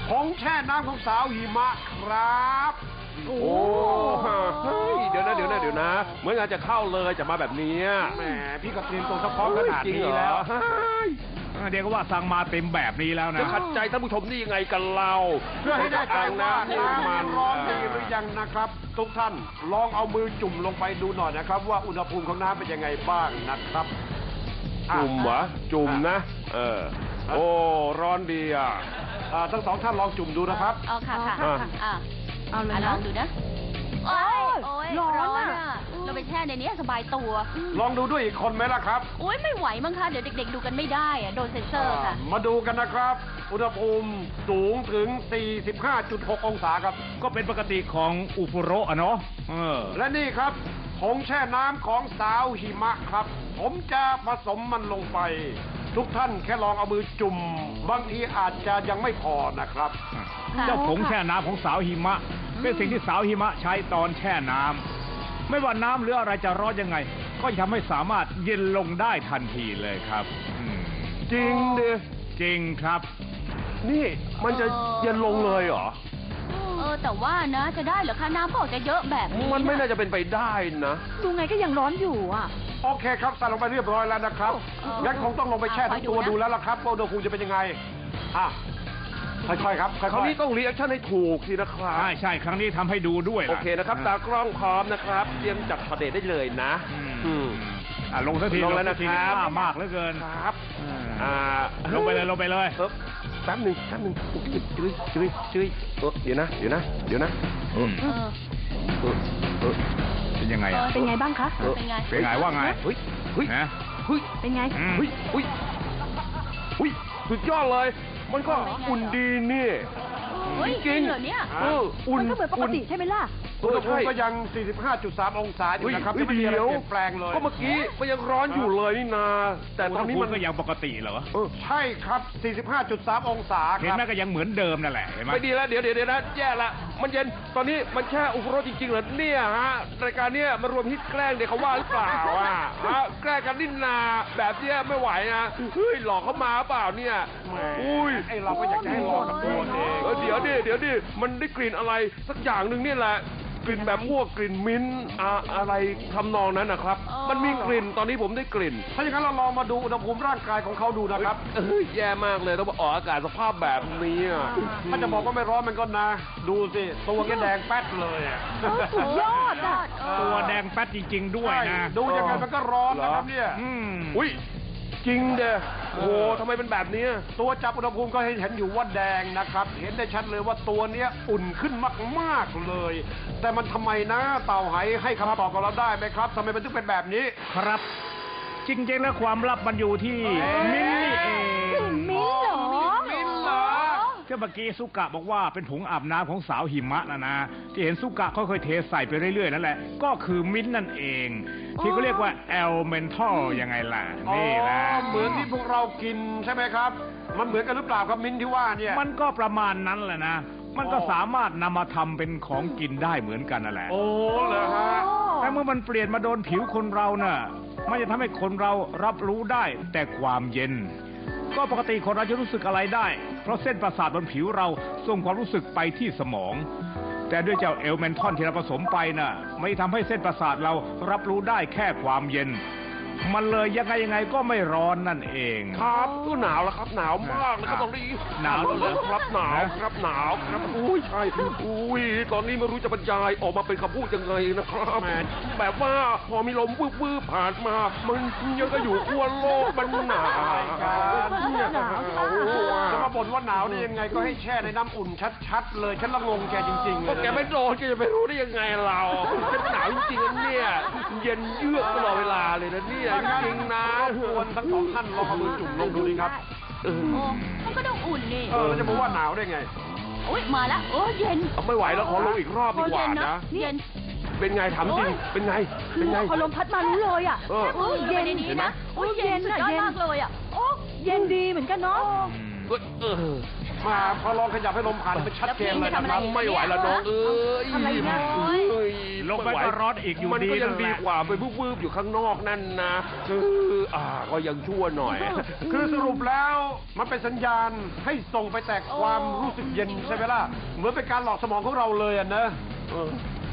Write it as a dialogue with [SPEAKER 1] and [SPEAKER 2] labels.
[SPEAKER 1] ผงแช่น้ำของสาวหิมะครับ
[SPEAKER 2] โอ้เฮ้ยเดี๋ยวนะเหมือนงานจะเข้าเลยจะมาแบบนี้
[SPEAKER 1] แหมพี่ก็เตรียมตัวซัพพร้อมขนาดนี้แล้ว
[SPEAKER 3] เดี๋ยวก็ว่าสั่งมาเต็มแบบนี้แล้วนะ
[SPEAKER 2] จะขัดใจท่านผู้ชมนี่ยังไงกันเรา
[SPEAKER 1] เพื่อให้ได้ใจว่าน้ำมันร้อนดีหรือยังนะครับทุกท่านลองเอามือจุ่มลงไปดูหน่อยนะครับว่าอุณหภูมิของน้ำเป็นยังไงบ้างนะครับ
[SPEAKER 2] จุ่มเหรอจุ่มนะโอ้ร้อนดี
[SPEAKER 1] ทั้งสองท่านลองจุ่มดูนะครับ
[SPEAKER 4] ค่ะเอาเลยลองดูนะโอ้ยร้อนอ่ะเราไปแช่ในนี้สบายตัว
[SPEAKER 1] ลองดูด้วยอีกคนไหมล่ะครับ
[SPEAKER 4] โอ้ยไม่ไหวมั้งคะเดี๋ยวเด็กๆดูกันไม่ได้อะโดนเซ็นเซอร์ค่ะ
[SPEAKER 1] มาดูกันนะครับอุณหภูมิสูงถึง 45.6 องศาครับ
[SPEAKER 3] ก็เป็นปกติของอุฟุโระอะเนาะ
[SPEAKER 1] และนี่ครับผงแช่น้ำของสาวหิมะครับผมจะผสมมันลงไปทุกท่านแค่ลองเอามือจุ่มบางทีอาจจะยังไม่พอนะครับ
[SPEAKER 3] เจ้าผงแช่น้ำของสาวหิมะเป็นสิ่งที่สาวหิมะใช้ตอนแช่น้ำไม่ว่าน้ำหรืออะไรจะร้อนยังไงก็ทำให้สามารถเย็นลงได้ทันทีเลยครับ
[SPEAKER 2] จริงดิ
[SPEAKER 3] จริงครับ
[SPEAKER 2] นี่มันจะเย็นลงเลยเหรอ
[SPEAKER 4] แต่ว่านะจะได้เหรอคะน้ำบอกจะเยอะแบบนี้
[SPEAKER 2] มันไม่น่าจะเป็นไปได้นะ
[SPEAKER 4] ดูไงก็ยังร้อนอยู่
[SPEAKER 1] โอเคครับใส่ลงไปเรียบร้อยแล้วนะครับงั้นคงต้องลงไปแช่ทั้งตัวดูแล้วล่ะครับว่าอุณหภูมิจะเป็นยังไงค่อยๆครับ
[SPEAKER 2] ครั้งนี้ต้องรีแอคชั่นให้ถูกสินะครับ
[SPEAKER 3] ใช่ครั้งนี้ทำให้ดูด้วย
[SPEAKER 2] โอเคนะครับตากล้องพร้อมนะครับเตรียมจัดประเด็นได้เลยนะ
[SPEAKER 3] ลงสักที
[SPEAKER 2] ลงแล้วนะครับ
[SPEAKER 3] มากเหลือเกิน
[SPEAKER 2] ครับ
[SPEAKER 3] ลงไปเลย
[SPEAKER 2] แป๊บหนึ่งจื้อเดี๋ยวนะ
[SPEAKER 3] เป็นยังไง
[SPEAKER 4] เป็นไงบ้างคะ
[SPEAKER 3] เป็นไงว่าไง
[SPEAKER 2] เฮ้ย
[SPEAKER 4] เป็นไง
[SPEAKER 2] สุดยอดเลยมันก็อุ่นดีนี่
[SPEAKER 4] จริงเหรอเนี่ยมันก็เหมือนปกติใช่ไหมล่ะ
[SPEAKER 1] อุณหภูมิก็ยัง 45.3 องศาอยู่นะครับไม่มีอะไรเปลี่ยนแปลงเลย
[SPEAKER 2] ก็เมื่อกี้มันยังร้อนอยู่เลยนี่นาแต่ตอนนี้มัน
[SPEAKER 3] ก็ยังปกติเหรอ
[SPEAKER 1] ใช่ครับ 45.3 องศาครับ
[SPEAKER 3] เห็นไหมก็ยังเหมือนเดิมนั่นแหละเห็นไหม
[SPEAKER 2] ไม่ดีแล้วเดี๋ยวนะแย่ละมันเย็นตอนนี้มันแค่อุปโภคจริงๆเหรอเนี่ยฮะรายการเนี้ยมารวมฮิตแกล้งเด็กเขาว่าหรือเปล่าแกล้งกันนินนาแบบเนี้ยไม่ไหวนะเฮ้ยหลอกเขามาเปล่าเนี่ย
[SPEAKER 1] ไอเราก็อยากจะให้หลอกกันตัวเอง
[SPEAKER 2] เดี๋ยวดิมันได้กลิ่นอะไรสักอย่างหนึ่งนี่แหละกลิ่นแบบพวกกลิ่นมิ้นอะไรทำนองนั้นนะครับมันมีกลิ่นตอนนี้ผมได้กลิ่น
[SPEAKER 1] ถ้าอย่างนั้นเราลองมาดูอุณหภูมิร่างกายของเขาดูนะครับ
[SPEAKER 2] แย่มากเลยต้องมาออกอากาศสภาพแบบนี้
[SPEAKER 1] ถ้าจะบอกว่าไม่ร้อนมันก็นะดูสิตัวแกแดงแป๊ดเลย
[SPEAKER 4] สุดยอด
[SPEAKER 3] ตัวแดงแป๊ดจริงๆด้วยนะ
[SPEAKER 1] ดูยังไงมันก็ร้อนนะครับเนี่ย
[SPEAKER 2] อุ้ยจริงเด้อโอ้ทำไมเป็นแบบนี้
[SPEAKER 1] ตัวจับอุณหภูมิก็เห็นอยู่ว่าแดงนะครับเห็นได้ชัดเลยว่าตัวเนี้ยอุ่นขึ้นมากๆเลยแต่มันทำไมนะเต่าไหให้คำตอบกับเราได้ไหมครับทำไมมันถึงเป็นแบบนี้
[SPEAKER 3] ครับจริงๆแล้วความลับมันอยู่ที่มิ้นนี่เอง
[SPEAKER 4] มิ้นเหรอ
[SPEAKER 3] ก็เมื่อกี้สุกะบอกว่าเป็นผงอาบน้ำของสาวหิมะนะที่เห็นสุกะค่อยๆเทใส่ไปเรื่อยๆนั่นแหละก็คือมิ้นนั่นเองที่เขาเรียกว่าแอลเมนทัลยังไงล่ะนี่แหละ
[SPEAKER 1] เหมือนที่พวกเรากินใช่ไหมครับมันเหมือนกันหรือเปล่าครับมิ้นที่ว่าเนี่ย
[SPEAKER 3] มันก็ประมาณนั้นแหละนะมันก็สามารถนำมาทำเป็นของกินได้เหมือนกันนั่นแหละ
[SPEAKER 1] โอ้เหรอฮะ
[SPEAKER 3] แต่เมื่อมันเปลี่ยนมาโดนผิวคนเราน่ะมันจะทำให้คนเรารับรู้ได้แต่ความเย็นก็ปกติคนเราจะรู้สึกอะไรได้เพราะเส้นประสาทบนผิวเราส่งความรู้สึกไปที่สมองแต่ด้วยเจ้าเอลเมนทอนที่เราผสมไปน่ะไม่ทำให้เส้นประสาทเรารับรู้ได้แค่ความเย็นมันเลยยังไงก็ไม่ร้อนนั่นเอง
[SPEAKER 2] ครับก็หนาวแล้วครับหนาวมากเลยครับตอนนี้
[SPEAKER 3] หนาว
[SPEAKER 2] เลยครับหนาวครับอุ้ยใช่อุ้ยตอนนี้ไม่รู้จะบรรยายออกมาเป็นคำพูดยังไงนะครับแบบว่าพอมีลมวืบผ่านมามันยังก็อยู่ขั้วโลกมันหนาว
[SPEAKER 1] จะมาบ่นว่าหนาวได้ยังไงก็ให้แช่ในน้ำอุ่นชัดๆเลยฉันละงงแกจริงๆ
[SPEAKER 2] ก็แกไม่โดนแกจะไปรู้ได้ยังไงเราฉันหนาวจริงๆเนี่ยเย็นเยือกตลอดเวลาเลยนะเนี่ยจริงนะ
[SPEAKER 1] ควรทั้งสองท่านลองเอามือจุ่มลงดูดิครับ
[SPEAKER 4] มันก็ต้องอุ่นนี่
[SPEAKER 1] เราจะบอกว่าหนาวได้ไง
[SPEAKER 4] โอ๊ยมาแล้วโอ้เย็น
[SPEAKER 2] ไม่ไหวแล้วขอลงอีกรอบดีกว่านะ
[SPEAKER 4] เย็น
[SPEAKER 2] เป็นไงถามจริงเป็นไง
[SPEAKER 4] พอลมพัดมารู้เลยอ่ะเย็นดีนะโอ้เย็นอ่ะเย็นมากเลยอ่ะโอ้เย็นดีเหมือนกันเนาะ
[SPEAKER 1] มาพอลองขยับให้ลมผ่านมันชัดเจนเลยนะครับ
[SPEAKER 2] ไม่ไหวละน้องเอ้ย
[SPEAKER 4] ทำอะไรเนี่ย
[SPEAKER 3] ลงไปก็ร้อนอีกอยู่
[SPEAKER 2] มัน
[SPEAKER 3] ดี
[SPEAKER 2] ก็ยัง
[SPEAKER 3] นั่นแห
[SPEAKER 2] ดี
[SPEAKER 3] ละ
[SPEAKER 2] กว่าไปวืบๆอยู่ข้างนอกนั่นนะก็ยังชั่วหน่อย
[SPEAKER 1] คือสรุปแล้วมันเป็นสัญญาณให้ส่งไปแต่ความรู้สึกเย็นใช่ไหมล่ะ เหมือนเป็นการหลอกสมองของเราเลยอ่ะนะ